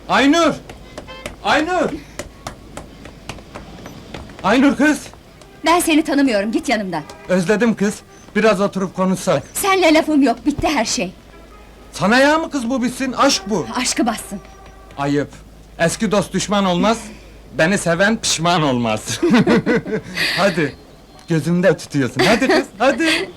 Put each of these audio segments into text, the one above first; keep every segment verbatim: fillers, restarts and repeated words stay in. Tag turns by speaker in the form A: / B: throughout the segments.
A: Aynur! Aynur! Aynur kız!
B: Ben seni tanımıyorum, git yanımdan.
A: Özledim kız. Biraz oturup konuşsak.
B: Seninle lafım yok, bitti her şey.
A: Sana ya mı kız bu bitsin? Aşk bu.
B: Aşkı bassın.
A: Ayıp. Eski dost düşman olmaz. Beni seven pişman olmaz. Hadi. Gözümde tutuyorsun. Hadi kız, hadi.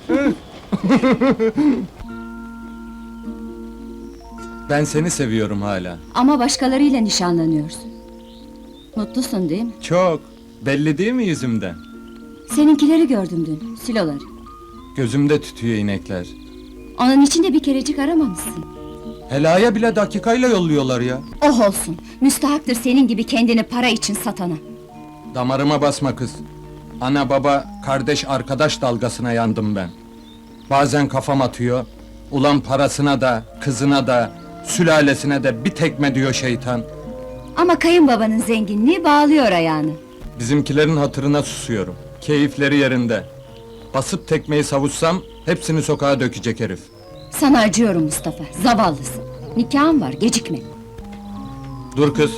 A: Ben seni seviyorum hala.
B: Ama başkalarıyla nişanlanıyorsun. Mutlusun değil mi?
A: Çok. Belli değil mi yüzümden?
B: Seninkileri gördüm dün, siloları.
A: Gözümde tütüyor inekler.
B: Onun için de bir kerecik aramamışsın.
A: Helaya bile dakikayla yolluyorlar ya.
B: Oh olsun, müstahaktır senin gibi kendini para için satana.
A: Damarıma basma kız. Ana baba, kardeş arkadaş dalgasına yandım ben. Bazen kafam atıyor. Ulan parasına da, kızına da, sülalesine de bir tekme diyor şeytan.
B: Ama kayınbabanın zenginliği bağlıyor ayağını.
A: Bizimkilerin hatırına susuyorum. Keyifleri yerinde. Basıp tekmeyi savuşsam, hepsini sokağa dökecek herif.
B: Sana acıyorum Mustafa, zavallısın. Nikahın var, gecikme.
A: Dur kız.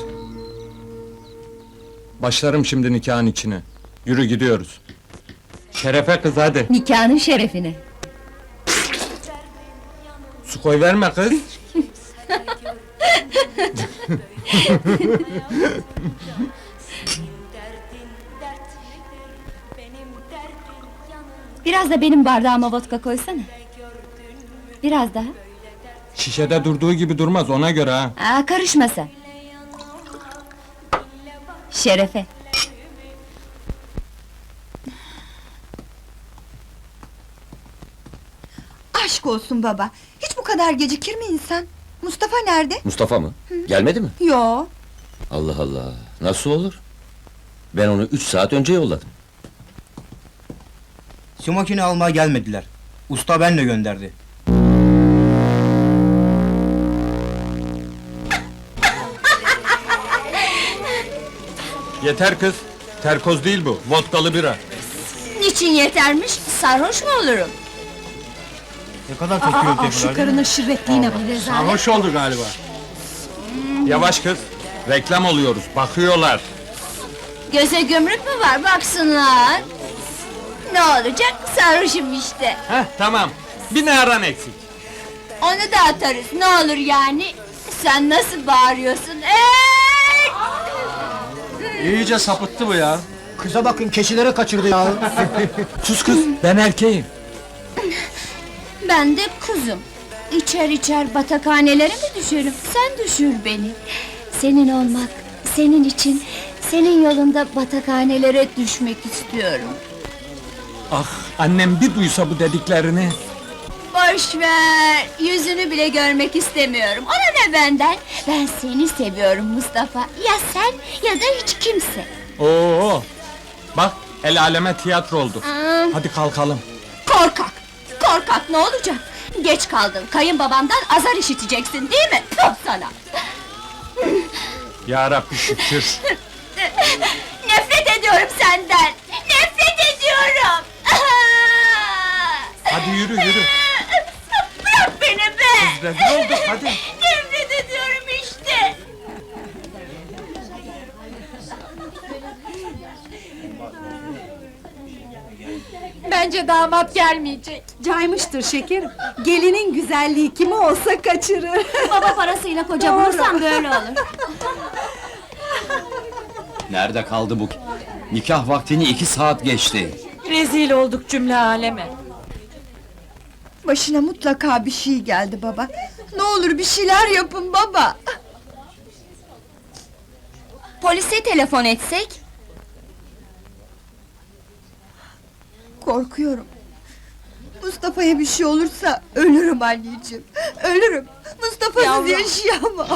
A: Başlarım şimdi nikahın içine. Yürü gidiyoruz. Şerefe kız hadi.
B: Nikahının şerefine.
A: Su koy verme kız.
B: Biraz da benim bardağıma vodka koysana. Biraz daha.
A: Şişede durduğu gibi durmaz ona göre ha.
B: Aa, karışma sen. Şerefe.
C: Aşk olsun baba, hiç bu kadar gecikir mi insan? Mustafa nerede?
D: Mustafa mı? Gelmedi mi?
C: Yo.
D: Allah Allah, nasıl olur? Ben onu üç saat önce yolladım.
E: Şu makine almaya gelmediler. Usta benle gönderdi.
A: Yeter kız. Terkoz değil bu. Vodkalı bira.
B: Niçin yetermiş? Sarhoş mu olurum?
E: Ne kadar çok gürültü
B: Şu karının şirretliğine bak.
A: Sarhoş oldu galiba. Yavaş kız. Reklam oluyoruz. Bakıyorlar.
B: Göze gömrük mü var? Baksınlar. Ne olacak? Sarhoşum işte.
A: Heh tamam. Bir naran eksik.
B: Onu da atarız. Ne olur yani? Sen nasıl bağırıyorsun? Ey!
E: İyice sapıttı bu ya. Kıza bakın, keçilere kaçırdı ya.
A: Sus kız. Ben erkeğim.
B: Ben de kuzum. İçer içer batakhanelere mi düşerim? Sen düşür beni. Senin olmak, senin için, senin yolunda batakhanelere düşmek istiyorum.
A: Ah annem bir duysa bu dediklerini.
B: Boş ver, yüzünü bile görmek istemiyorum. Ona ne benden? Ben seni seviyorum Mustafa. Ya sen ya da hiç kimse.
A: Oo. Bak el aleme tiyatro oldu.
B: Aa,
A: Hadi kalkalım.
B: korkak! Korkak ne olacak? Geç kaldın, kayınbabamdan azar işiteceksin değil mi? Puh sana!
A: Ya Rabbi şükür.
B: Nefret ediyorum senden! Nefret ediyorum!
A: Hadi yürü yürü.
B: Bırak beni be!
A: Rezil olduk hadi.
B: Nefret ediyorum işte!
F: Bence damat gelmeyecek.
C: Caymıştır şekerim. Gelinin güzelliği kimi olsa kaçırır.
B: Baba parasıyla koca bulursan böyle olur.
D: Nerede kaldı bu? Nikah vaktini iki saat geçti.
F: Rezil olduk cümle aleme.
C: Başına mutlaka bir şey geldi baba. Ne olur bir şeyler yapın baba.
B: Polise telefon etsek?
C: Korkuyorum. Mustafa'ya bir şey olursa ölürüm anneciğim. Ölürüm. Mustafa'sız
F: Yavrum.
C: yaşayamam.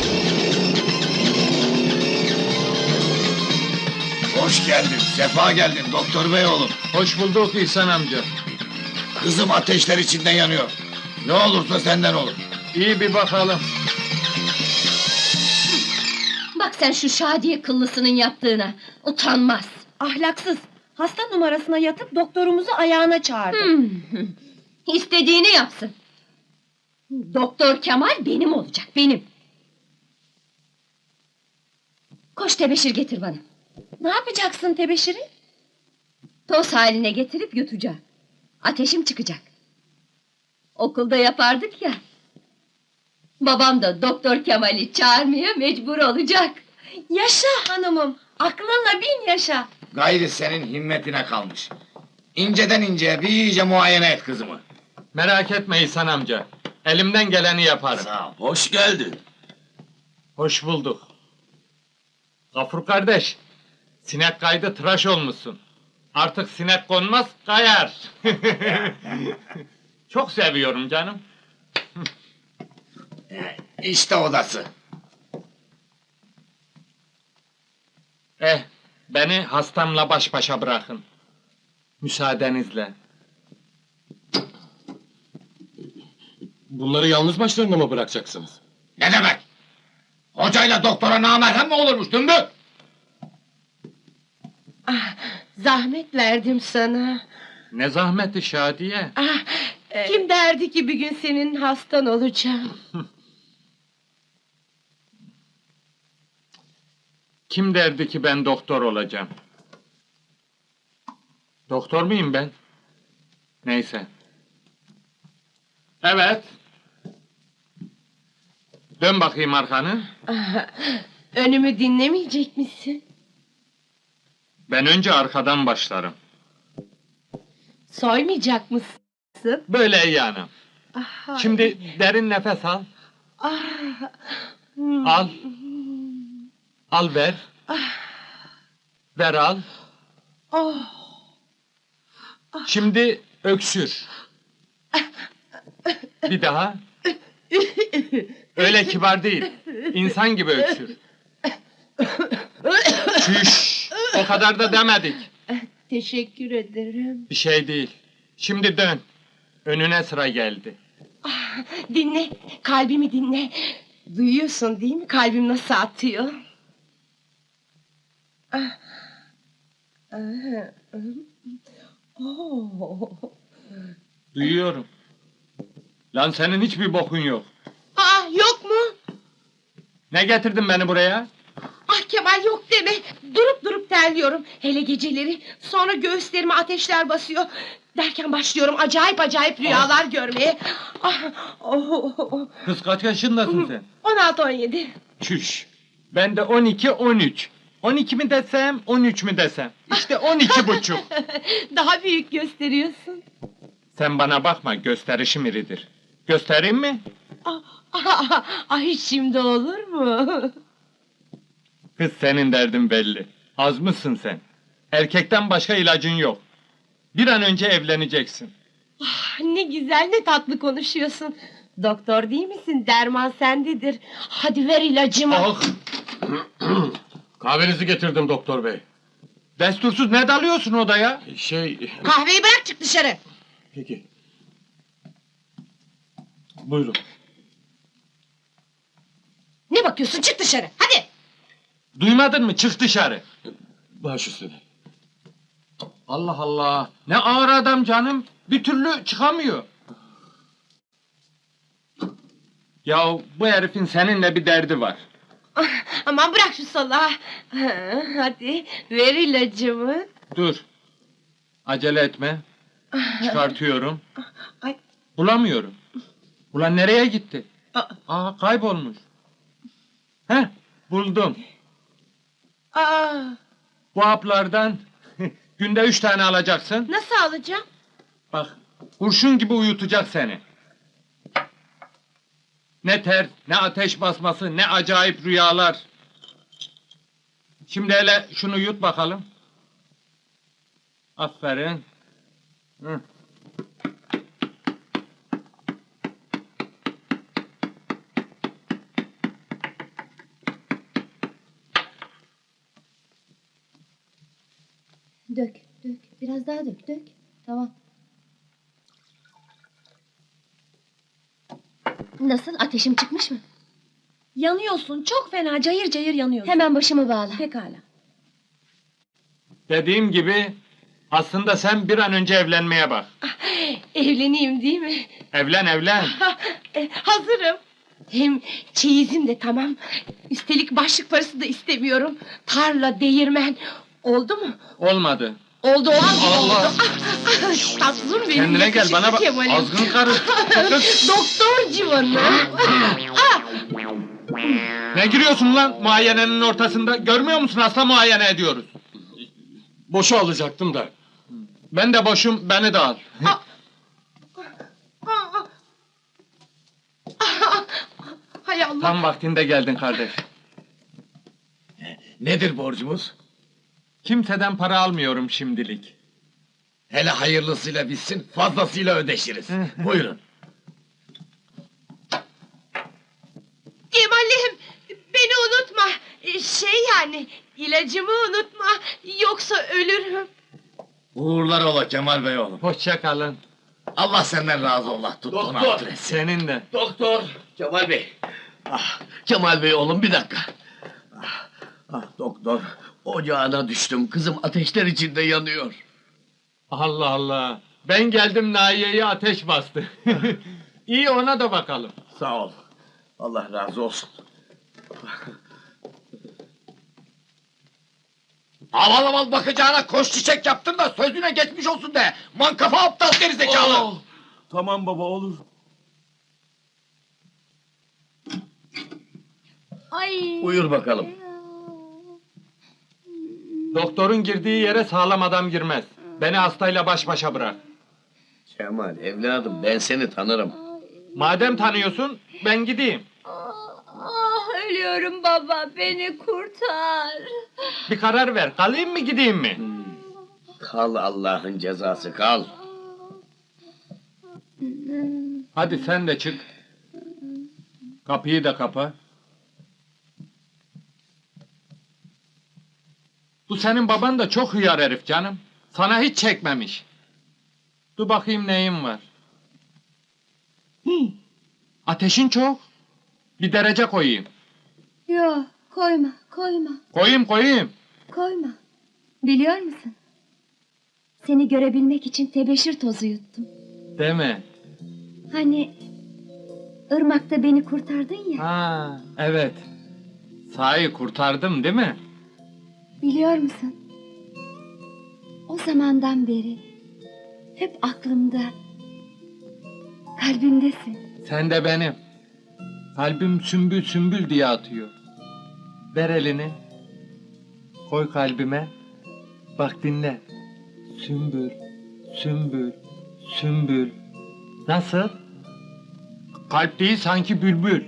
G: Hoş geldin, sefa geldin doktor bey oğlum.
A: Hoş bulduk İhsan amca.
G: Kızım ateşler içinde yanıyor. Ne olursa senden olur.
A: İyi bir bakalım.
B: Bak sen şu Şadiye kıllısının yaptığına. Utanmaz.
F: Ahlaksız. Hasta numarasına yatıp doktorumuzu ayağına çağırdı.
B: Hmm. İstediğini yapsın. Doktor Kemal benim olacak, benim. Koş tebeşir getir bana.
F: Ne yapacaksın tebeşiri?
B: Toz haline getirip yutacağım. Ateşim çıkacak. Okulda yapardık ya. Babam da Doktor Kemal'i çağırmaya mecbur olacak.
F: Yaşa hanımım, aklınla bin yaşa.
G: Gayri senin himmetine kalmış. İnceden inceye bir iyice muayene et kızımı.
A: Merak etme İhsan amca. Elimden geleni yaparım.
G: Sağ ol.
D: Hoş geldin.
A: Hoş bulduk. Gafur kardeş, sinek kaydı tıraş olmuşsun. Artık sinek konmaz, kayar. Çok seviyorum canım.
G: İşte odası.
A: Eh, beni hastamla baş başa bırakın. Müsaadenizle.
E: Bunları yalnız başlarına mı bırakacaksınız?
G: Ne demek? Hocayla doktora namerhem mi olurmuş dümbük?
F: Zahmet verdim sana.
A: Ne zahmeti Şadiye.
F: Ah, kim derdi ki bir gün senin hastan olacağım?
A: Kim derdi ki ben doktor olacağım? Doktor muyum ben? Neyse. Evet. Dön bakayım arkanı.
F: Ah, önümü dinlemeyecek misin?
A: Ben önce arkadan başlarım.
F: Soymayacak mısın?
A: Böyle yani.
F: Ah,
A: Şimdi derin nefes al.
F: ah, hmm.
A: Al. Al ver. Ver al.
F: Oh,
A: Şimdi öksür. Bir daha. Öyle kibar değil. İnsan gibi öksür. Çüş. O kadar da demedik.
F: teşekkür ederim.
A: Bir şey değil. Şimdi dön. Önüne sıra geldi.
F: Dinle, kalbimi dinle. Duyuyorsun değil mi kalbim nasıl atıyor? Ah. Ah. Oh.
A: Duyuyorum. Lan senin hiçbir bokun yok.
F: Aa, yok mu?
A: Ne getirdin beni buraya?
F: Ah Kemal yok deme. Durup durup terliyorum. Hele geceleri. Sonra göğüslerime ateşler basıyor. Derken başlıyorum acayip acayip rüyalar görmeye. Ah, oh, oh, oh.
A: Kız kaç yaşındasın sen?
F: on altı on yedi.
A: Çüş. Ben de on iki on üç. on iki mi desem, on üç mü desem? İşte on iki buçuk.
F: Daha büyük gösteriyorsun.
A: Sen bana bakma, gösterişim iridir. Göstereyim mi?
F: Ah, ah, ah, ay şimdi olur mu?
A: Kız senin derdin belli. Az mısın sen? Erkekten başka ilacın yok. Bir an önce evleneceksin.
F: Ah, ne güzel ne tatlı konuşuyorsun. Doktor değil misin? Derman sendedir. Hadi ver ilacımı.
E: Ah! Kahvenizi getirdim doktor bey.
A: Destursuz ne dalıyorsun odaya?
E: Şey...
F: Kahveyi bırak çık dışarı.
E: Peki. Buyurun.
F: Ne bakıyorsun çık dışarı hadi.
A: Duymadın mı? Çık dışarı.
E: Baş üstüne.
A: Allah Allah. Ne ağır adam canım. Bir türlü çıkamıyor. Ya bu herifin seninle bir derdi var.
F: Ah, aman bırak şu salağı. Ha, hadi ver ilacımı.
A: Dur. Acele etme. Çıkartıyorum.
F: Ay.
A: Bulamıyorum. Ulan nereye gitti?
F: Aa,
A: Aa kaybolmuş. Heh buldum.
F: aa,
A: Bu haplardan günde üç tane alacaksın.
F: nasıl alacağım?
A: Bak kurşun gibi uyutacak seni. Ne ter, ne ateş basması, ne acayip rüyalar. Şimdi hele şunu yut bakalım. Aferin. Hı.
B: Dök, dök. Biraz daha dök, dök. Tamam. Nasıl? Ateşim çıkmış mı?
F: Yanıyorsun çok fena cayır cayır yanıyorsun.
B: Hemen başımı bağla.
F: Pekala.
A: Dediğim gibi aslında sen bir an önce evlenmeye bak.
F: Evleneyim değil mi?
A: Evlen evlen.
F: Ha, e, hazırım. Hem çeyizim de tamam. Üstelik başlık parası da istemiyorum. Tarla, değirmen. Oldu mu?
A: Olmadı.
F: Oldu o an
A: Allah!
F: oldu. Tatlım benim.
A: Kendine gel, bana bak.
F: Kemal'im.
A: Azgın karı.
F: Doktor civanı.
A: Ne giriyorsun lan muayenenin ortasında? Görmüyor musun, hasta muayene ediyoruz.
E: Boşu alacaktım da.
A: Ben de boşum, beni de al.
F: Hay Allah.
A: Tam vaktinde geldin kardeş.
G: Nedir borcumuz?
A: Kimseden para almıyorum şimdilik.
G: Hele hayırlısıyla bitsin, fazlasıyla ödeşiriz. Buyurun.
F: Kemal'im beni unutma. Ee, Şey yani ilacımı unutma. Yoksa ölürüm.
G: Uğurlar ola Kemal Bey oğlum.
A: Hoşça kalın.
G: Allah senden razı ola. Tuttuğun
H: Doktor!
G: adres.
A: Senin de.
H: Doktor! Kemal Bey! Ah, Kemal Bey oğlum bir dakika. Ah, ah, doktor, ocağına düştüm. Kızım ateşler içinde yanıyor.
A: Allah Allah. Ben geldim, Nahiye'yi ateş bastı. İyi, ona da bakalım.
H: Sağ ol. Allah razı olsun.
G: Aval aval bakacağına koş çiçek yaptın da sözüne geçmiş olsun de. Mankafa aptal gerizekalı.
H: Oh, tamam baba olur.
B: Ay.
H: Buyur bakalım.
A: Doktorun girdiği yere sağlam adam girmez. Beni hastayla baş başa bırak.
H: Kemal evladım ben seni tanırım.
A: Madem tanıyorsun, ben gideyim.
B: Ah, ölüyorum baba, beni kurtar.
A: Bir karar ver, kalayım mı gideyim mi?
H: Kal Allah'ın cezası kal.
A: Hadi sen de çık. Kapıyı da kapa. Bu senin baban da çok hıyar herif canım. Sana hiç çekmemiş. Dur bakayım neyin var. Hı, ateşin çok. Bir derece koyayım.
B: Yok, koyma, koyma,
A: Koyayım koyayım.
B: koyma. Biliyor musun? Seni görebilmek için tebeşir tozu yuttum.
A: Deme.
B: Hani ırmakta beni kurtardın ya.
A: Ha, evet. Sahi kurtardım değil mi?
B: Biliyor musun? O zamandan beri hep aklımda, kalbimdesin.
A: Sen de benim. Kalbim sümbül sümbül diye atıyor. Ver elini. Koy kalbime. Bak dinle. Sümbül, sümbül, sümbül. Nasıl? Kalp değil sanki bülbül.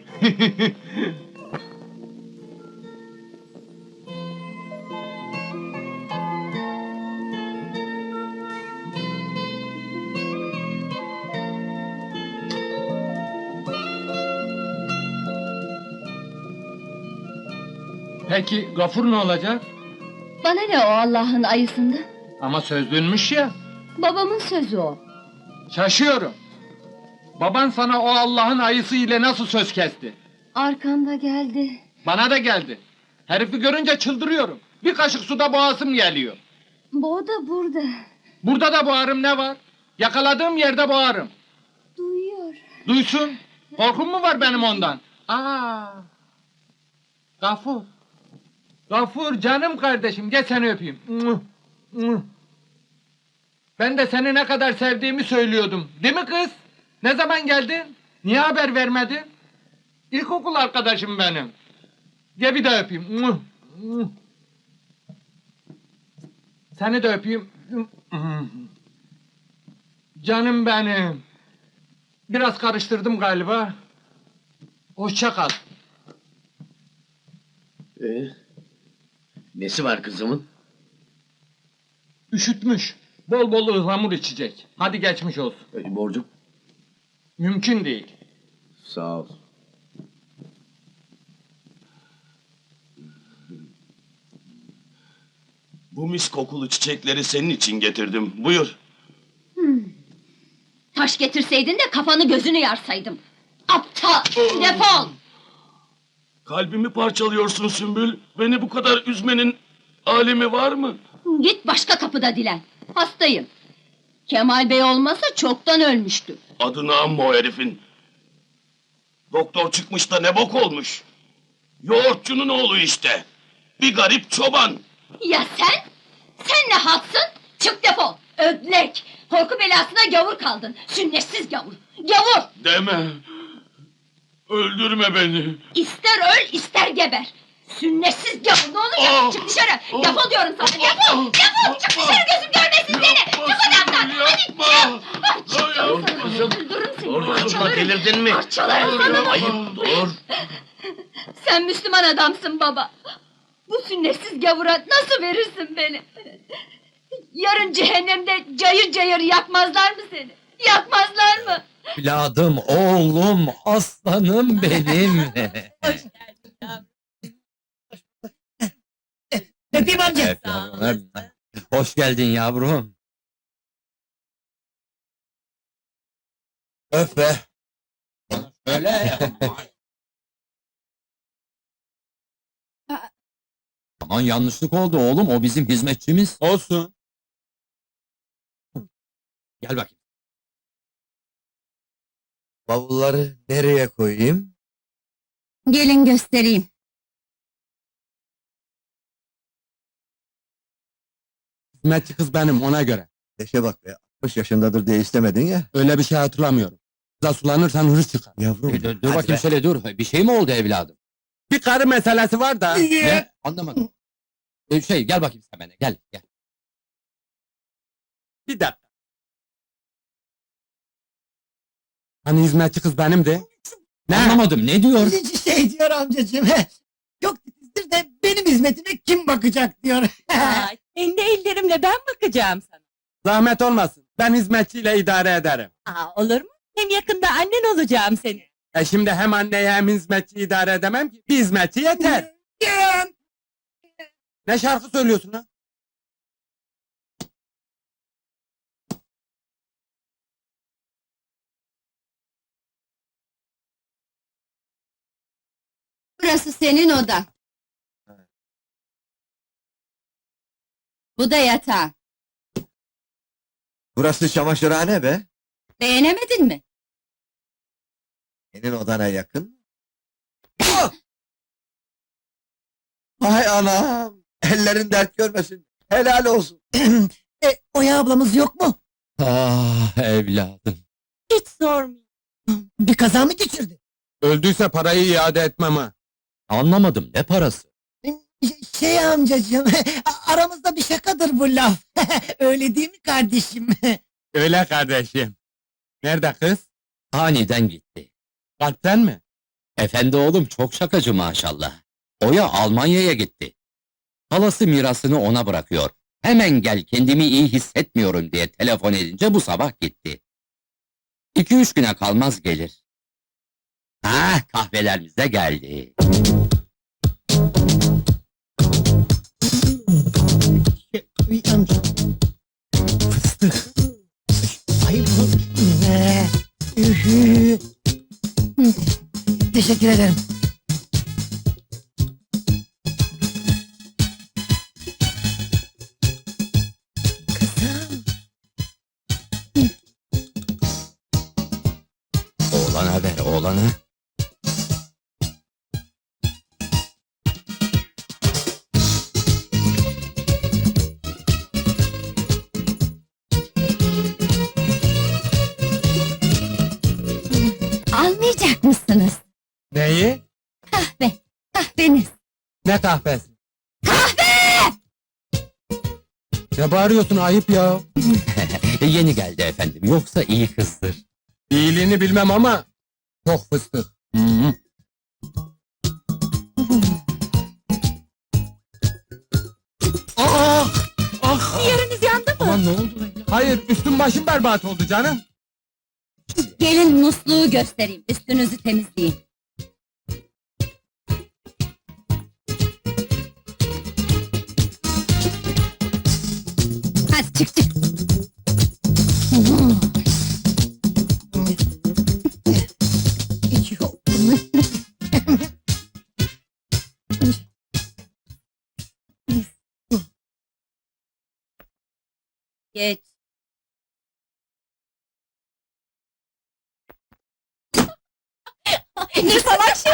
A: Peki Gafur ne olacak?
B: Bana ne o Allah'ın ayısında?
A: Ama sözlünmüş ya.
B: Babamın sözü o.
A: Şaşıyorum. Baban sana o Allah'ın ayısı ile nasıl söz kesti?
B: Arkanda geldi.
A: Bana da geldi. Herifi görünce çıldırıyorum. Bir kaşık suda boğazım geliyor.
B: Bu o da burada.
A: Burada da boğarım, ne var? Yakaladığım yerde boğarım.
B: Duyuyor.
A: Duysun. Korkum mu var benim ondan? Aa. Gafur. Gafur canım kardeşim, gel seni öpeyim. Muh, muh. Ben de seni ne kadar sevdiğimi söylüyordum. Değil mi kız? Ne zaman geldin? Niye haber vermedin? İlkokul arkadaşım benim. Gel bir de öpeyim. Muh, muh. Seni de öpeyim. Canım benim. Biraz karıştırdım galiba. Hoşça kal.
H: Ee, nesi var kızımın?
A: Üşütmüş. Bol bol ıhlamur içecek. Hadi geçmiş olsun.
H: Ee, borcum?
A: Mümkün değil.
H: Sağ ol.
I: Bu mis kokulu çiçekleri senin için getirdim. Buyur.
B: Taş getirseydin de kafanı gözünü yarsaydım. Aptal! Defol!
I: Kalbimi parçalıyorsun Sümbül. Beni bu kadar üzmenin alemi var mı?
B: Git başka kapıda dilen. Hastayım. Kemal Bey olmasa çoktan ölmüştü.
I: Adını anma o herifin. Doktor çıkmış da ne bok olmuş. Yoğurtçunun oğlu işte. Bir garip çoban.
B: Ya sen? Sen ne halksın? Çık defol! Ödlek! Korku belasına gavur kaldın! Sünnetsiz gavur! Gavur!
I: Deme. Öldürme beni.
B: İster öl, ister geber! Sünnetsiz gavur! Ne olacak?
I: Ah!
B: Çık dışarı!
I: Ah!
B: Defol diyorum sana! Defol! Defol! Çık dışarı, gözüm görmesin seni! Çık odamdan! Hadi çık! Ah, çık diyorum sana!
H: kızım.
B: Öldürürüm seni!
H: Dur kızım,
B: Parçalarım!
H: delirdin mi?
B: Parçalarım sana!
H: Ayıp, dur.
B: Sen Müslüman adamsın baba! Bu sünnetsiz gavura nasıl verirsin beni? Yarın cehennemde cayır cayır yakmazlar mı seni? Yakmazlar mı?
D: Evladım, oğlum, aslanım benim.
E: Öpeyim amca.
D: Evet, yavrum, hoş geldin yavrum. Öp be. Öyle. Aman yanlışlık oldu oğlum, o bizim hizmetçimiz.
A: Olsun.
D: Gel bakayım.
E: Bavulları nereye koyayım?
B: Gelin göstereyim.
A: Hizmetçi kız benim, ona göre.
E: Leşe bak be, altmış yaşındadır diye istemedin ya.
A: Öyle bir şey hatırlamıyorum. Kıza sulanırsan hırs çıkar.
E: Yavrum,
D: Dur, dur
E: hadi
D: bakayım
E: be.
D: şöyle dur. Bir şey mi oldu evladım?
A: Bir karı meselesi var da.
D: Ne? Anlamadım. Ee, şey gel bakayım sen bana, gel gel.
A: Bir dakika. Hani hizmetçi kız benimdi? Ne?
D: Anlamadım, ne diyor?
E: Şey diyor amcacığım, çok titizdir de benim hizmetime kim bakacak diyor.
J: Aa, kendi ellerimle ben bakacağım sana.
A: Zahmet olmasın. Ben hizmetçiyle idare ederim.
J: Aa, olur mu? Hem yakında annen olacağım senin.
A: E şimdi hem anneyi hem hizmetçiyi idare edemem ki. Bir hizmetçi yeter. Ne şarkı söylüyorsun ha?
B: Burası senin odan. Bu da yatağın.
E: Burası çamaşırhane be.
B: Beğenemedin mi?
E: Senin odana yakın. Ah! Hay anam! Ellerin dert görmesin. Helal olsun. e, Oya ablamız yok mu?
D: Ah evladım.
J: Hiç sormayın.
E: Bir kaza mı geçirdi?
A: Öldüyse parayı iade etmem ha.
D: Anlamadım, ne parası?
E: Şey amcacığım, aramızda bir şakadır bu laf. Öyle değil mi kardeşim?
A: Öyle kardeşim. Nerede kız?
D: Aniden gitti.
A: Kalpten mi?
D: Efendi oğlum çok şakacı maşallah. Oya Almanya'ya gitti. Halası mirasını ona bırakıyor. Hemen gel, kendimi iyi hissetmiyorum diye telefon edince bu sabah gitti. İki üç güne kalmaz gelir. Ha, kahvelerimiz de geldi.
E: Uy amca. Fıstık. Ay bu ne? Ühü. Teşekkür ederim. Kızım.
D: Oğlana ver, oğlana.
B: Almayacak mısınız?
A: Neyi?
B: Kahve, kahveniz.
A: Ne kahvesi? Kahve! Ne bağırıyorsun, ayıp ya.
D: Yeni geldi efendim, yoksa iyi kızdır.
A: İyiliğini bilmem ama çok fıstık. Hı -hı. Aa! Ah!
J: Yeriniz yandı mı?
D: Aman ne oldu lan?
A: Hayır, üstüm başım berbat oldu canım.
B: Gelin musluğu göstereyim, üstünüzü temizleyin. Hadi çık çık.
E: Hiç yok.
B: Geç.
J: Ne salak şey.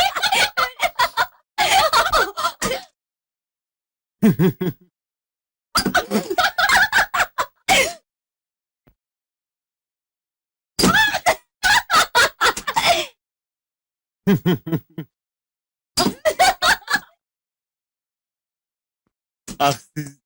K: Ah siz